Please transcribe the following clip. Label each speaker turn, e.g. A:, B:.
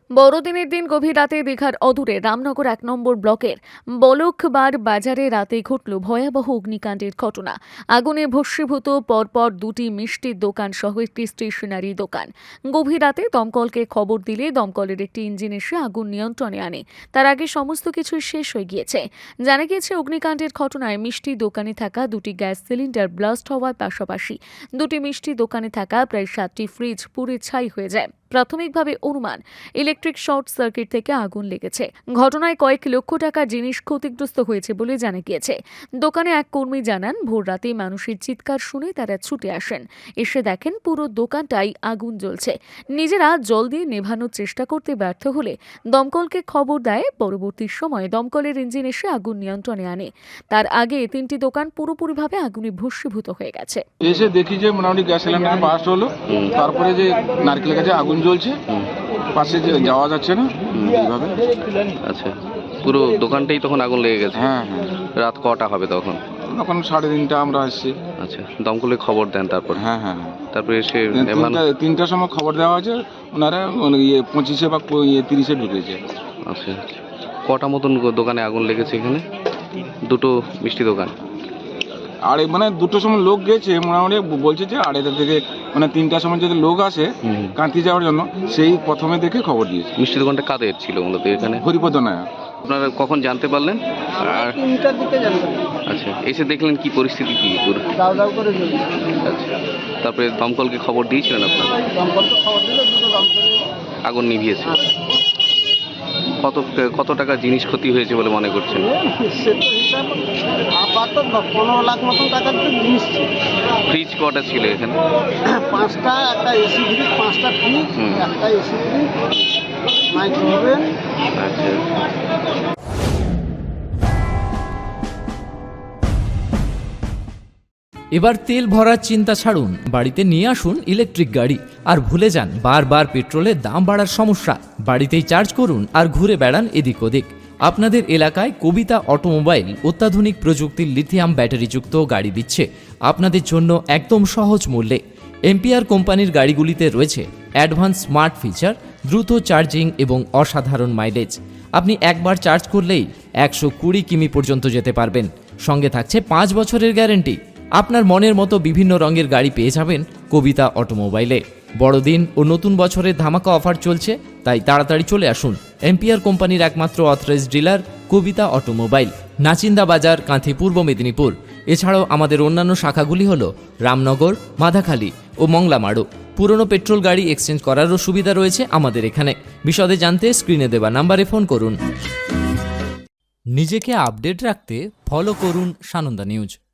A: বড়দিনের দিন গভীর রাতে দীঘার অদূরে রামনগর ১ নম্বর ব্লকের বলকবার বাজারে রাতে ঘটল ভয়াবহ অগ্নিকাণ্ডের ঘটনা। আগুনে ভস্মীভূত পরপর দুটি মিষ্টির দোকান সহ একটি স্টেশনারি দোকান। গভীর রাতে দমকলকে খবর দিলে দমকলের একটি ইঞ্জিন এসে আগুন নিয়ন্ত্রণে আনে। তার আগে সমস্ত কিছু শেষ হয়ে গিয়েছে। জানা গিয়েছে, অগ্নিকাণ্ডের ঘটনায় মিষ্টি দোকানে থাকা দুটি গ্যাস সিলিন্ডার ব্লাস্ট হওয়ার পাশাপাশি দুটি মিষ্টি দোকানে থাকা প্রায় 7টি ফ্রিজ পুড়ে ছাই হয়ে যায়। প্রাথমিকভাবে অনুমান ইলেকট্রিক শর্ট সার্কিট থেকে আগুন লেগেছে। ঘটনায় কয়েক লক্ষ টাকার জিনিস ক্ষতিগ্রস্ত হয়েছে বলে জানা গিয়েছে। দোকানে এক কর্মী জানান, ভোর রাতে মানুষের চিৎকার শুনে তারা ছুটে আসেন। এসে দেখেন পুরো দোকানটাই আগুন জ্বলছে। নিজেরা জল দিয়ে নেভানোর চেষ্টা করতে ব্যর্থ হলে দমকলকে খবর দেয়। পরবর্তী সময়ে দমকলের ইঞ্জিন এসে আগুন নিয়ন্ত্রণে আনে। তার আগে 3টি দোকান পুরোপুরিভাবে আগুনে ভস্মীভূত হয়ে গেছে।
B: এসে দেখি যে মোটামুটি গ্যাস সিলিন্ডার বাস্ট হলো, তারপরে যে নারকেলের কাছে আগুন জ্বলছে, পাশে যে যাওয়া যাচ্ছে না এইভাবে।
C: আচ্ছা, পুরো দোকানটাই তখন আগুন লেগে গেছে?
B: হ্যাঁ হ্যাঁ।
C: রাত কটা হবে তখন?
B: তখন 3:30 আমরা আসছি।
C: আচ্ছা, দমকলে খবর দেন তারপর?
B: হ্যাঁ হ্যাঁ।
C: তারপরে এসে
B: 3টার সময় খবর দেওয়া হয়েছে, ওনারা 25 বা 30 ঢুকেছে।
C: আচ্ছা, কটা মতন দোকানে আগুন লেগেছে এখানে? দুটো মিষ্টি দোকান।
B: আর মানে 2টোর সময় লোক গেছে, মোটামুটি বলছে যে 2:30 থেকে মানে 3টার সময় যদি লোক আসে কাঁতি যাওয়ার জন্য, সেই প্রথমে দেখে খবর দিয়েছে।
C: মিষ্টি দোকানটা কাদের ছিল মূলত এখানে?
B: হরিপদ নায়া।
C: আপনারা কখন জানতে পারলেন? আর
D: 3টার দিকে জানতে।
C: আচ্ছা, এসে দেখলেন কি পরিস্থিতি, কি পুরো
D: দাও দাও করে জ্বলছে।
C: আচ্ছা, তারপরে দমকলকে খবর দিয়েছিলেন আপনারা?
D: দমকলকে খবর দিলে দুটো দমকল
C: আগুন নিভিয়েছে। কত টাকা জিনিস ক্ষতি হয়েছে বলে মনে করছেন?
D: সে তো হিসাব আপাতত 15 লাখ মতন টাকার তো জিনিস ছিল।
C: ফ্রিজ কটা ছিল এখানে?
D: 5টা, একটা এসি ফ্রিজ, 5টা ফ্রিজ, একটা এসি ফ্রিজ, মাইক্রোওভেন।
C: আচ্ছা,
E: এবার তেল ভরার চিন্তা ছাড়ুন, বাড়িতে নিয়ে আসুন ইলেকট্রিক গাড়ি। আর ভুলে যান বারবার পেট্রোলের দাম বাড়ার সমস্যা। বাড়িতেই চার্জ করুন আর ঘুরে বেড়ান এদিক ওদিক। আপনাদের এলাকায় কবিতা অটোমোবাইল অত্যাধুনিক প্রযুক্তির লিথিয়াম ব্যাটারিযুক্ত গাড়ি দিচ্ছে আপনাদের জন্য একদম সহজ মূল্যে। এম্পিয়ার কোম্পানির গাড়িগুলিতে রয়েছে অ্যাডভান্স স্মার্ট ফিচার, দ্রুত চার্জিং এবং অসাধারণ মাইলেজ। আপনি একবার চার্জ করলেই 120 কিমি পর্যন্ত যেতে পারবেন। সঙ্গে থাকছে 5 বছরের গ্যারেন্টি। আপনার মনের মতো বিভিন্ন রঙের গাড়ি পেয়ে যাবেন কবিতা অটোমোবাইলে। বড়দিন ও নতুন বছরের ধামাকা অফার চলছে, তাই তাড়াতাড়ি চলে আসুন এম্পিয়ার কোম্পানির একমাত্র authorised dealer Kabita automobile, Nachinda Bazar, Kanthi, পূর্ব মেদিনীপুর। এছাড়াও আমাদের অন্যান্য শাখাগুলি হল রামনগর, মাধাখালী ও মংলামাড়ু। পুরনো পেট্রোল গাড়ি এক্সচেঞ্জ করারও সুবিধা রয়েছে আমাদের এখানে। বিশদে জানতে স্ক্রিনে দেওয়া নাম্বারে ফোন করুন। নিজেকে আপডেট রাখতে ফলো করুন সানন্দা নিউজ।